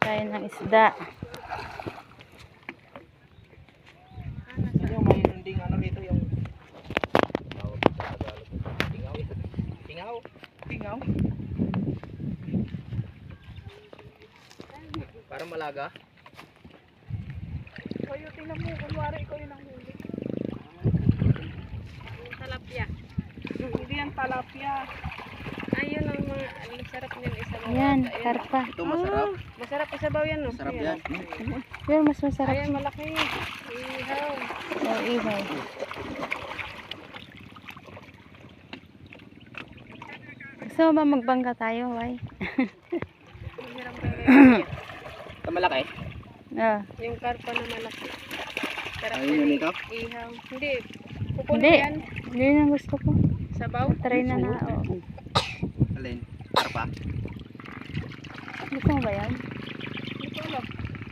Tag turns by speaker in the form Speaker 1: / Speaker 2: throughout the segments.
Speaker 1: tayo ng isda.
Speaker 2: Yung mayroon ding ano dito yung tingaw. Tingaw. Tingaw. Para malaga.
Speaker 3: Kayo, tingnan mo, kunwari ikaw yung nanghuli.
Speaker 4: Talapia.
Speaker 3: Hindi yan talapia.
Speaker 4: Ayun ang mga sarap niyan isabaw.
Speaker 1: Ayan,
Speaker 4: Ayun.
Speaker 1: karpa.
Speaker 2: Ito masarap.
Speaker 4: Masarap isabaw yan, no?
Speaker 2: Masarap
Speaker 4: Ayan.
Speaker 2: yan.
Speaker 1: Pero mas masarap.
Speaker 4: Ayan, malaki. Ihaw.
Speaker 1: Oh, ihaw. Gusto mo ba magbangka tayo, Wai?
Speaker 4: Masarap kayo.
Speaker 2: Ito malaki.
Speaker 1: Ah,
Speaker 4: Yung karpa na malaki. Sarap
Speaker 2: Ayun
Speaker 4: yan.
Speaker 2: yun ito.
Speaker 4: Ihaw. Hindi. Kukunin
Speaker 1: hindi.
Speaker 4: yan.
Speaker 1: Hindi na gusto ko.
Speaker 4: Sabaw.
Speaker 1: Try na na. Oh.
Speaker 2: Alin? Karpa.
Speaker 1: Gusto mo ba yan?
Speaker 4: Hindi ko alam.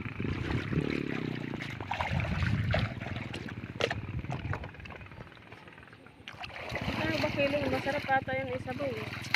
Speaker 4: Ano ba feeling? Masarap ata yung isabaw.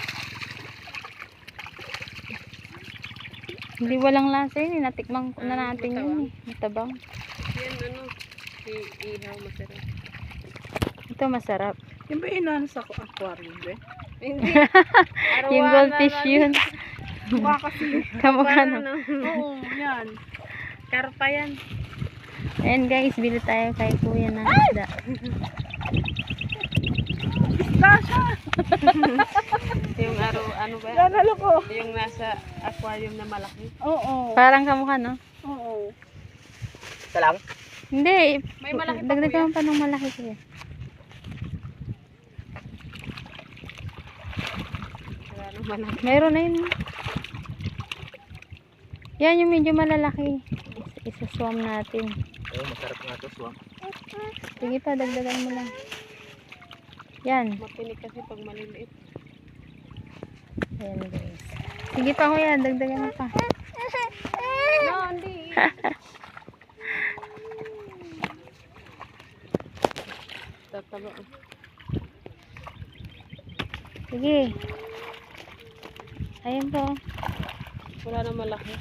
Speaker 1: Hindi walang lasa yun. Natikman ko na natin yun. Matabang.
Speaker 4: Yan ano. Ihaw masarap.
Speaker 1: Ito masarap.
Speaker 3: Yung ba inano sa aquarium, be?
Speaker 4: Hindi.
Speaker 1: Yung goldfish yun.
Speaker 3: Mukha kasi.
Speaker 1: Kamukha na.
Speaker 3: Oo, yan.
Speaker 4: Karpa yan.
Speaker 1: Ayan guys, bili tayo kay kuya ng isda.
Speaker 3: Isda siya.
Speaker 4: Yung ano ba?
Speaker 3: Yan, halo ko.
Speaker 4: Yung nasa aquarium na malaki.
Speaker 3: Oo.
Speaker 1: Parang kamukha, no?
Speaker 3: Oo.
Speaker 2: Ito lang.
Speaker 1: Hindi.
Speaker 4: May malaki pa,
Speaker 1: Dagdagan pa ng malaki kuya.
Speaker 4: Wala nang malaki.
Speaker 1: Meron na yun. Yan yung medyo malalaki. Isaswam natin.
Speaker 2: Oh, masarap nga ito. Swam.
Speaker 1: Sige pa, dagdagan mo lang. Yan.
Speaker 4: Mapinig kasi pag maliliit.
Speaker 1: Ayan guys. Sige pa kuya, dagdagan mo pa.
Speaker 4: No, hindi. Tataba.
Speaker 1: Sige. Ayan po.
Speaker 4: Wala na malaki.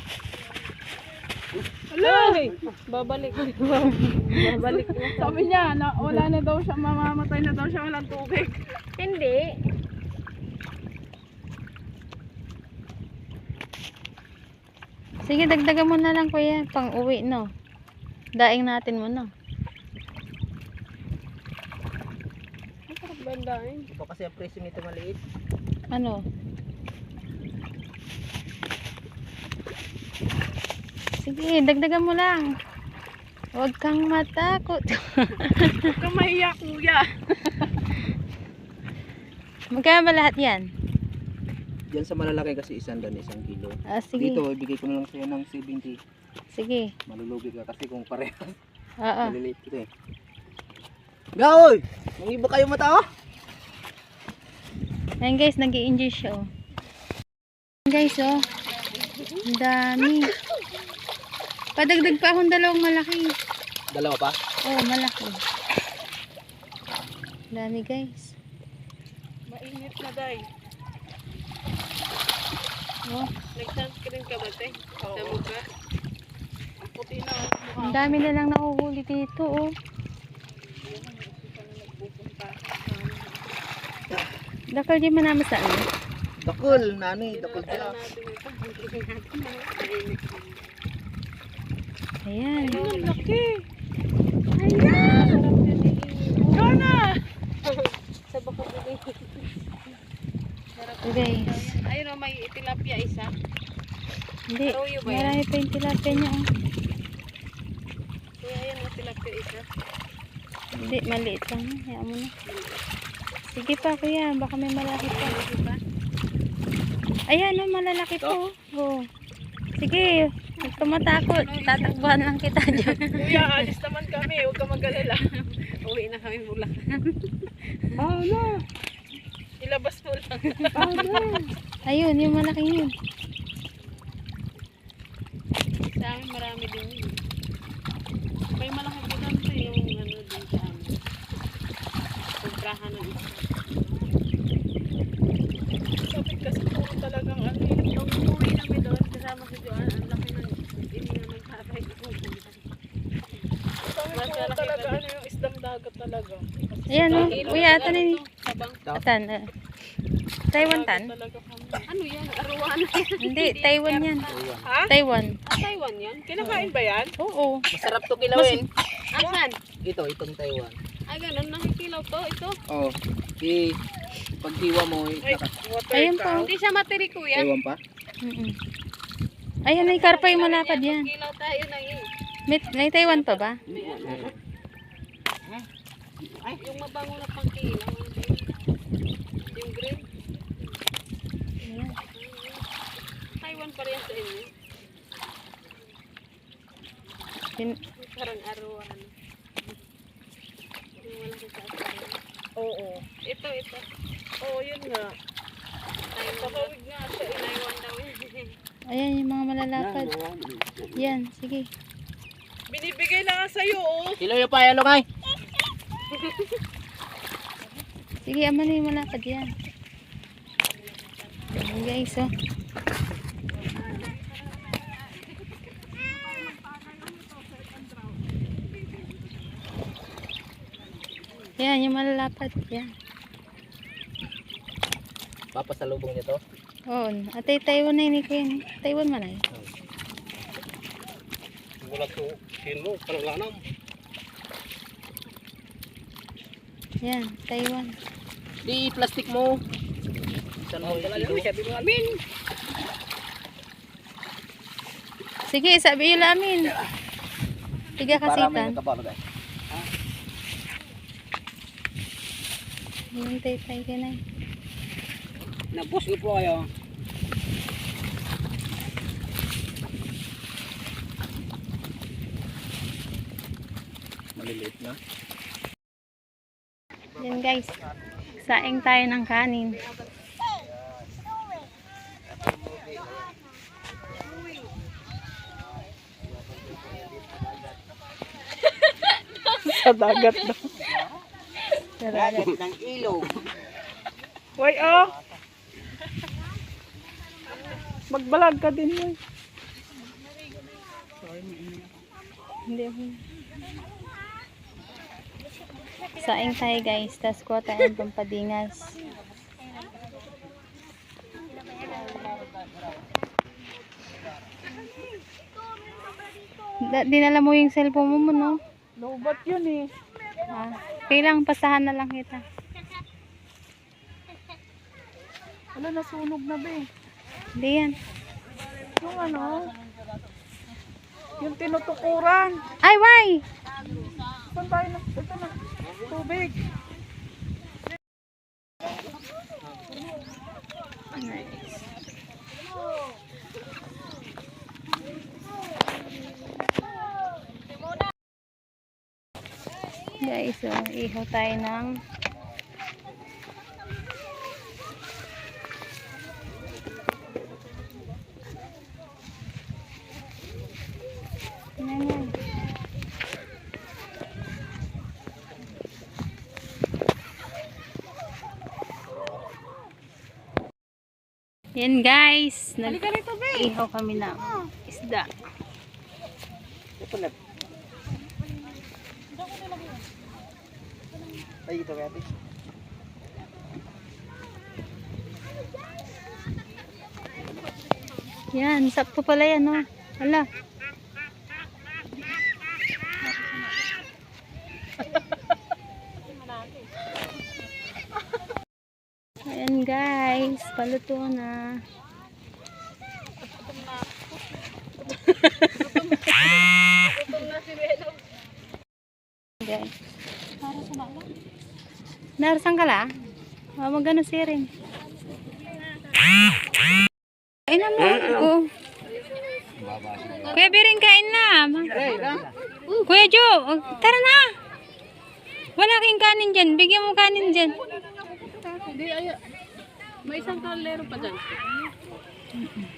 Speaker 4: Ay! Babalik. Babalik na.
Speaker 3: Sabi niya, na, wala na daw siya, mamamatay na daw siya, walang tubig.
Speaker 4: Hindi.
Speaker 1: Sige, dagdagan mo na lang kuya. Pang uwi, no? Daing natin mo, no?
Speaker 4: Masarap bandain.
Speaker 2: Ito kasi ang presyo nito maliit.
Speaker 1: Ano? Sige, dagdagan mo lang. Huwag kang matakot.
Speaker 3: Huwag kang mahiya, kuya.
Speaker 1: Magkano ba lahat yan?
Speaker 2: Diyan sa malalaki kasi 100 kilo.
Speaker 1: Ah, sige.
Speaker 2: Dito, ibigay ko na lang sa'yo ng 70.
Speaker 1: Sige.
Speaker 2: Malulugi ka kasi kung parehas.
Speaker 1: Oo.
Speaker 2: Maliliit ito eh. Gaoy! May iba kayo mata oh!
Speaker 1: Ayan guys, nag-i-enjoy siya, oh. Ayan guys, oh. Ang dami. Padagdag pa akong dalawang malaki.
Speaker 2: Dalawa pa?
Speaker 1: Oh, malaki. Dami guys.
Speaker 3: Mainit na, day.
Speaker 1: Oh,
Speaker 4: Nag-sunscreen ka ba, te? Sa
Speaker 3: Oo.
Speaker 4: mukha?
Speaker 3: Ang puti na ang mukha.
Speaker 1: ang dami na lang nahuhuli dito, oh. Dakal di manama sa ano?
Speaker 2: Dakol, nani, dakol
Speaker 4: Alam
Speaker 2: sila.
Speaker 4: natin ito.
Speaker 1: Ayan.
Speaker 3: Ang laki.
Speaker 4: Masarap yan eh.
Speaker 3: Gana!
Speaker 4: Sa bako din. Sarap.
Speaker 1: So guys.
Speaker 4: Ayun o, may tilapia isa.
Speaker 1: Hindi.
Speaker 4: Arroyo ba yan?
Speaker 1: Marami pa yung tilapia niya, oh.
Speaker 4: Kuya, ayun o, tilapia isa.
Speaker 1: Hindi, maliit lang. Hayaan mo na. Sige pa, kuya. Baka may malaki pa.
Speaker 4: Diba?
Speaker 1: Ayan, oh, malalaki po. Oh. Sige, huwag ka matakot. Tatakbuhan lang kita dyan.
Speaker 3: Kuya, alis naman kami. Huwag ka mag-alala.
Speaker 4: Uwi na kami Bulacan.
Speaker 3: Ano?
Speaker 4: Ilabas mo lang.
Speaker 1: Ayun, yung malaki yun.
Speaker 4: Sa amin marami din yun. May malaki pa doon sa yung ano din sa amin. Kumprahan ng isa.
Speaker 3: Sabi kasi puro talagang ano yun.
Speaker 4: Nung umuwi kami doon, kasama si Joanne, ang laki ng
Speaker 1: Ayan o. Uy, atan na ni.
Speaker 4: Sabang.
Speaker 1: Atan. Taiwan tan?
Speaker 4: Talaga kami. Ano yan? Arowana yan.
Speaker 1: Hindi, Taiwan yan.
Speaker 4: Ha?
Speaker 1: Taiwan.
Speaker 4: Taiwan yan? Kinakain ba yan?
Speaker 1: Oo.
Speaker 2: Masarap to kilawin.
Speaker 4: Asan?
Speaker 2: Itong Taiwan.
Speaker 4: Ay, ganun. Nakikilaw to. Ito.
Speaker 2: Oh. Di paghiwa mo
Speaker 1: Ayan pa.
Speaker 4: Hindi siya matiri, kuya.
Speaker 2: Taiwan pa.
Speaker 1: Mm-mm. Ayan, may karpa yung malapad yan.
Speaker 4: Kilaw tayo na yun.
Speaker 1: May Taiwan pa ba?
Speaker 4: Yung mabango na pang kilaw. Yung green.
Speaker 1: Ayan.
Speaker 4: Taiwan pa rin sa inyo. Parang arowana. Yung malaki sa asawa. Oo. Ito. Oo, yun nga. Papawid nga siya. Inaiwan daw yun.
Speaker 1: Ayan yung mga malalapad. Yan, sige.
Speaker 3: Binibigay na nga sa'yo, oh.
Speaker 2: Kilo yung pa, ano kay?
Speaker 1: Sige, ama na yung malapad yan. Ayan guys, oh. Yan, yung malalapad. Yan.
Speaker 2: Papasalubong niya to.
Speaker 1: Oo. Atay Taiwan na yun. Kuya. Taiwan man ay.
Speaker 2: Wala to. Kilo, parang lanam.
Speaker 1: Yan, Taiwan.
Speaker 2: Di plastic mo. Saan mo kilo?
Speaker 1: Sige, sabi yung lamin. Tiga
Speaker 2: Para may
Speaker 1: kasitan.
Speaker 2: nakabalo guys.
Speaker 1: Hintay tayo ka na.
Speaker 2: Nabos ko po kayo. Maliliit na.
Speaker 1: Yan guys. Saing tayo ng kanin.
Speaker 3: Sa dagat daw.
Speaker 1: Sarap.
Speaker 2: Ng ilog.
Speaker 3: Why, oh. Magbalag ka din yun.
Speaker 1: Hindi ako. Saing tayo guys. Tapos kuha tayo ng pampadingas. Dinala mo yung cellphone mo, no?
Speaker 3: Lobat yun eh.
Speaker 1: Ah, kailang pasahan na lang kita.
Speaker 3: Wala, nasunog na ba eh.
Speaker 1: Hindi yan.
Speaker 3: Yung ano, yung tinutukuran.
Speaker 1: Ay, why?
Speaker 3: Saan tayo na? Ito na. Tubig.
Speaker 1: Guys, so, ihaw tayo ng yan. Yan guys, nag-ihaw kami ng isda.
Speaker 2: Ay, ito kaya.
Speaker 1: Yan, sakto pala yan, no? Hala. Ayan guys, paluto na. Guys. Narasan ka la? Magano siring. Kain na mo. Oo. Kuya Biring, kain na. Kuya Jo, tara na. Wala kang kanin dyan. Bigyan mo kanin dyan.
Speaker 4: Hindi, may isang kalero pa dyan.